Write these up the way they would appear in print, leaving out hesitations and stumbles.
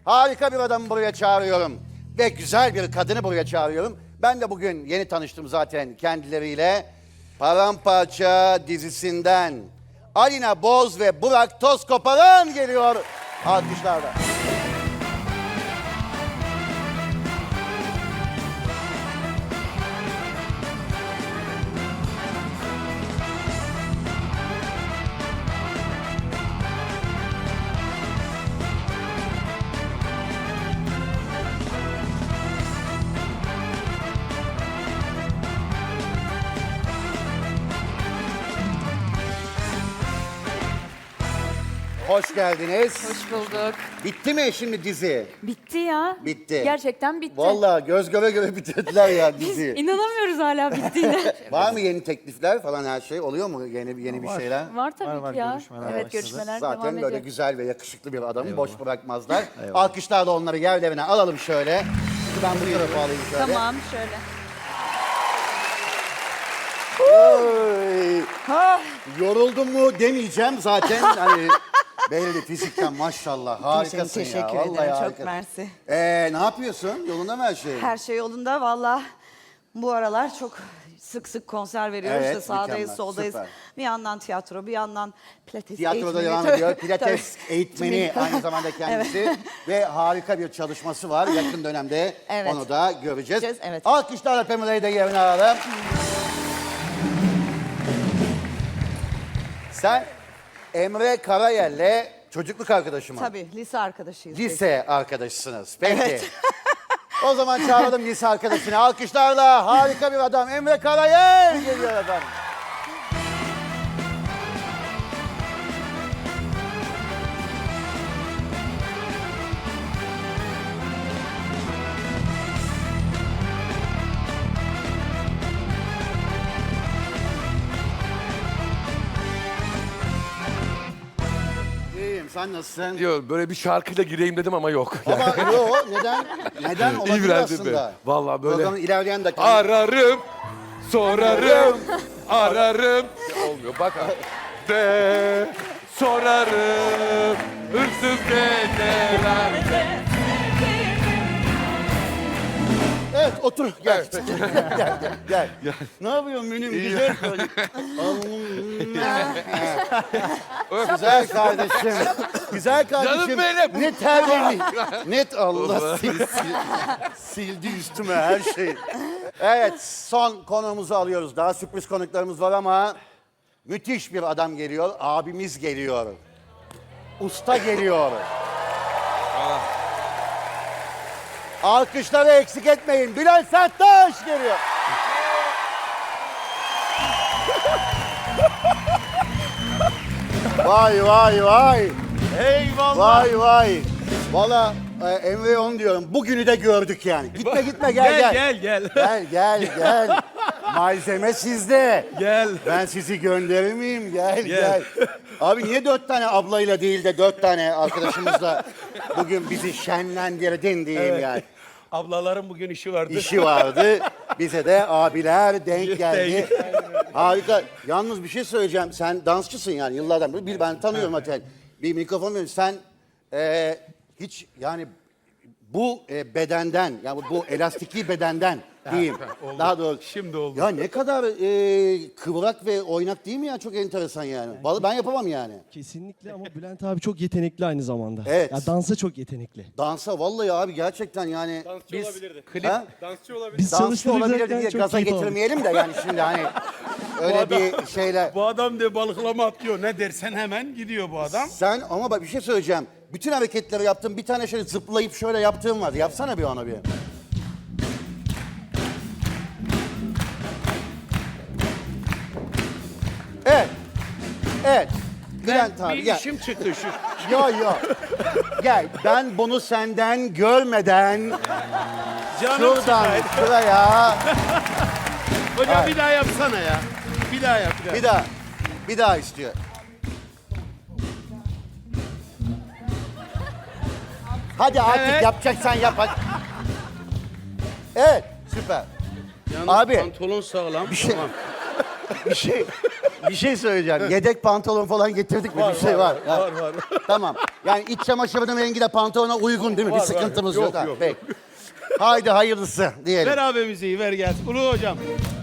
Harika bir adamı buraya çağırıyorum. Ve güzel bir kadını buraya çağırıyorum. Ben de bugün yeni tanıştım zaten kendileriyle. Paramparça dizisinden Alina Boz ve Burak Tozkoparan geliyor alkışlarla. Hoş geldiniz. Hoş bulduk. Bitti mi şimdi dizi? Bitti ya. Bitti. Gerçekten bitti. Vallahi göz göre göre bitirdiler ya Biz diziyi. inanamıyoruz hala bittiğine. Var mı yeni teklifler falan her şey? Oluyor mu yeni bir şeyler? Var tabii Var, ki ya. görüşmeler Evet başladı. görüşmeler devam Zaten ediyor. böyle güzel ve yakışıklı bir adamı boş bırakmazlar. Alkışlarla onları yerlerine alalım şöyle. Ben bu tarafa alayım şöyle. Tamam şöyle. Oy. Yoruldun mu demeyeceğim zaten. Hani belli fizikten maşallah harikasın ya. Teşekkür Vallahi ederim. Çok harikasın. mersi. Ne yapıyorsun? Yolunda mı her şey? Her şey yolunda valla. Bu aralar çok sık sık konser veriyoruz Evet, da sağdayız, mükemmel, soldayız. süper. Bir yandan tiyatro, bir yandan pilates Tiyatroda eğitmeni. devam ediyor. Pilates eğitmeni aynı zamanda kendisi. Ve harika bir çalışması var. Yakın dönemde Evet. onu da göreceğiz. Evet. Alkışlarla Pamela'yı da yerine alalım. Sen Emre Karayel'le çocukluk arkadaşı mı? Tabii, lise arkadaşıyız. biz. Lise arkadaşısınız. Peki. O zaman çağıralım lise arkadaşını. Alkışlarla harika bir adam Emre Karayel geliyor efendim. İyiyim, sen nasılsın? Diyor böyle bir şarkıyla gireyim dedim ama yok. Ama yok, neden olabilir İbrahim aslında. Bey. Vallahi böyle Programın ilerleyen dakika. ararım, sorarım, ararım. Olmuyor bak. De sorarım, hırsız gecelerde. Evet, otur. Gel. Gel. Ne yapıyorsun Münüm? Güzel kardeşim. Güzel kardeşim. Güzel kardeşim. Canım benim. Ne terbiyeli. Net Allah sildi üstüme her şeyi. Evet, son konuğumuzu alıyoruz. Daha sürpriz konuklarımız var ama müthiş bir adam geliyor. Abimiz geliyor. Usta geliyor. Alkışları eksik etmeyin. Bilal Serttaş geliyor. Vay vay vay. Eyvallah. Vay vay. Valla Emre'ye onu diyorum. Bugünü de gördük yani. Gitme gitme gel. Gel. Malzeme sizde. Gel. Ben sizi gönderir miyim? Gel. Abi niye 4 tane ablayla değil de 4 tane arkadaşımızla bugün bizi şenlendirdin diyeyim yani. Ablaların bugün işi vardı. İşi vardı. Bize de abiler denk geldi. Harika. Yalnız bir şey söyleyeceğim. Sen dansçısın yani yıllardan beri. Ben tanıyorum zaten. Bir mikrofon veriyorum. Sen hiç yani bu bedenden, yani bu elastikli bedenden diyeyim. oldu. Daha doğru. Şimdi oldu. Ya ne kadar kıvrak ve oynak değil mi ya? Çok enteresan yani. Vallahi ben yapamam yani. Kesinlikle ama Bülent abi çok yetenekli aynı zamanda. Evet. Ya dansa çok yetenekli. Dansa vallahi abi gerçekten yani. Dansçı olabilirdi. Ha? Dansçı olabilirdi. Biz Dansçı olabilir çalıştırırken diye çok gaza keyif aldık. getirmeyelim de yani şimdi hani öyle bir şeyler. Bu adam de balıklama atlıyor. Ne dersen hemen gidiyor bu adam. Sen ama bak bir şey söyleyeceğim. Bütün hareketleri yaptın. Bir tane şöyle zıplayıp şöyle yaptığım var. Yapsana bir ona bir. Evet. Bülent abi Bir gel. işim çıktı şu. Yo. Gel. Ben bunu senden görmeden Canım şuradan sıkaydı. şuraya Hocam bir daha yapsana ya. Bir daha yap. bir daha istiyor. Hadi artık Evet. yapacaksan yap hadi. Evet, süper. Yalnız Abi. pantolon sağlam. Bir şey, bir şey söyleyeceğim. Yedek pantolon falan getirdik mi? Bir şey var. Var. Tamam. Yani iç çamaşırının rengi de pantolona uygun değil mi? Bir sıkıntımız yok. Ha, peki. Haydi hayırlısı diyelim. Ver abi müziği ver gelsin. Ulu hocam.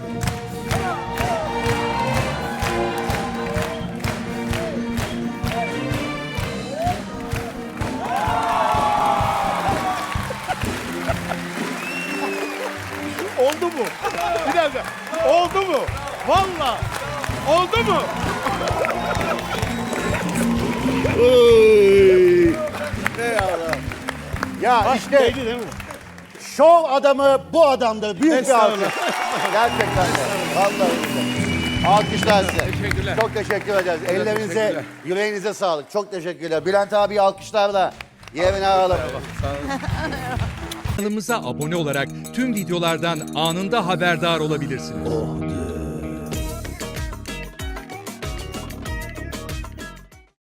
Oldu mu? Bir dakika. Oldu mu? Valla. Oldu mu? Ya işte Değdi değil mi? şov adamı bu adamdır. Büyük bir Estağfurullah. alkış. Gerçekten de. Vallahi billahi. Alkışlar size. Teşekkürler. Çok teşekkür ederiz. Ellerinize, teşekkürler. yüreğinize sağlık. Çok teşekkürler. Bülent abi alkışlarla yerine alalım. Kanalımıza abone olarak tüm videolardan anında haberdar olabilirsiniz.